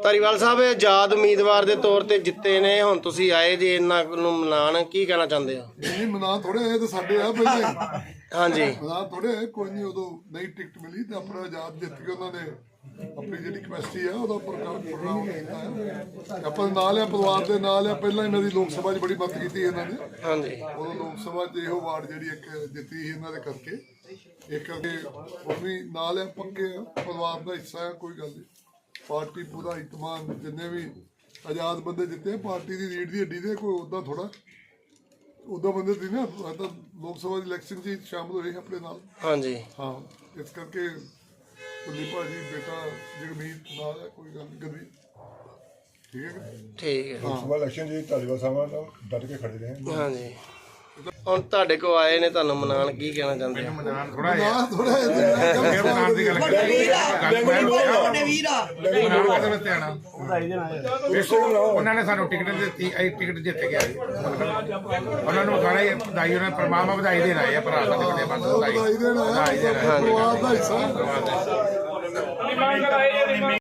ਧਾਰੀਵਾਲ ਸਾਹਿਬ ਆਜ਼ਾਦ ਉਮੀਦਵਾਰ ਦੇ ਤੌਰ ਤੇ ਜਿੱਤੇ ਨੇ, ਹੁਣ ਤੁਸੀਂ ਆਏ ਜੇ ਇਹਨਾਂ ਨੂੰ ਮਨਾਉਣ, ਕੀ ਕਹਿਣਾ ਚਾਹੁੰਦੇ ਹੋ? ਨਹੀਂ ਮਨਾ ਥੋੜੇ ਇਹ ਤਾਂ ਸਾਡੇ ਆ ਪਹਿਲਾਂ ਹਾਂਜੀ ਮਨਾ ਥੋੜੇ ਕੋਈ ਨਹੀਂ, ਉਦੋਂ ਨਹੀਂ ਟਿਕਟ ਮਿਲੀ ਤੇ ਆਪਣਾ ਆਜ਼ਾਦ ਜਿੱਤ ਕੇ ਉਹਨਾਂ ਨੇ ਆਪਣੀ ਜਿਹੜੀ ਕਪੈਸਿਟੀ ਆ ਉਹਦਾ ਪ੍ਰੋਗਰਾਮ ਕੀਤਾ ਹੈ। ਆਪਾਂ ਨਾਲ ਆ, ਪਰਿਵਾਰ ਦੇ ਨਾਲ ਆ, ਪਹਿਲਾਂ ਇਹਨਾਂ ਦੀ ਲੋਕ ਸਭਾ 'ਚ ਬੜੀ ਮਦਦ ਕੀਤੀ ਇਹਨਾਂ ਨੇ। ਹਾਂਜੀ ਉਦੋਂ ਲੋਕ ਸਭਾ 'ਚ ਇਹੋ ਵਾਰਡ ਜਿਹੜੀ ਇੱਕ ਜਿੱਤੀ ਸੀ ਇਹਨਾਂ ਦੇ ਕਰਕੇ, ਇੱਕ ਕਰਕੇ ਉਹ ਵੀ ਨਾਲ ਆ, ਪੱਕੇ ਆ, ਪਰਿਵਾਰ ਦਾ ਹਿੱਸਾ ਆ, ਕੋਈ ਗੱਲ ਨਹੀਂ। ਪਾਰਟੀ ਪੂਰਾ ਇਤਮਾਨ, ਜਿੰਨੇ ਵੀ ਆਜ਼ਾਦ ਬੰਦੇ ਜਿੱਤੇ ਪਾਰਟੀ ਦੀ ਰੀੜ ਦੀ ਹੱਡੀ ਦੇ, ਕੋਈ ਉੱਦਾਂ ਥੋੜਾ ਉੱਦਾਂ ਬੰਦੇ ਸੀ ਨਾ, ਤਾਂ ਲੋਕ ਸਭਾ ਦੀ ਇਲੈਕਸ਼ਨ 'ਚ ਸ਼ਾਮਲ ਹੋਏ ਆਪਣੇ ਨਾਲ। ਹਾਂਜੀ ਹਾਂ, ਇਸ ਕਰਕੇ ਕੁੱਲੀ ਭਾਜੀ ਬੇਟਾ ਜਗਮੀਤ ਨਾਲ ਹੈ, ਕੋਈ ਗੱਲ ਨਹੀਂ ਕਦੀ। ਠੀਕ ਹੈ ਠੀਕ ਹੈ। ਲੋਕ ਸਭਾ ਇਲੈਕਸ਼ਨ ਜੀ ਧਾਲੀਵਾਲ ਸਾਹਿਬ ਨਾਲ ਡਟ ਕੇ ਖੜੇ ਰਹੇ। ਹਾਂਜੀ ਹੁਣ ਤੁਹਾਡੇ ਕੋਲ ਆਏ ਨੇ, ਤੁਹਾਨੂੰ ਮਨਾਉਣ, ਕੀ ਕਹਿਣਾ ਚਾਹੁੰਦੇ ਹੋ? ਥੋੜਾ ਉਹਨਾਂ ਨੇ ਸਾਨੂੰ ਟਿਕਟ ਦਿੱਤੀ, ਅਸੀਂ ਟਿਕਟ ਜਿੱਤ ਕੇ ਆਏ। ਉਹਨਾਂ ਨੂੰ ਸਾਰਾ ਵਧਾਈ, ਉਹਨਾਂ ਪਰਮਾਤਮਾ ਵਧਾਈ ਦੇਣ ਆਏ ਆ ਭਰਾ ਸਾਡੇ ਬਸ ਵਧਾਈ ਦੇਣ। ਪਰਿਵਾਰ ਦਾ ਹਿੱਸਾ।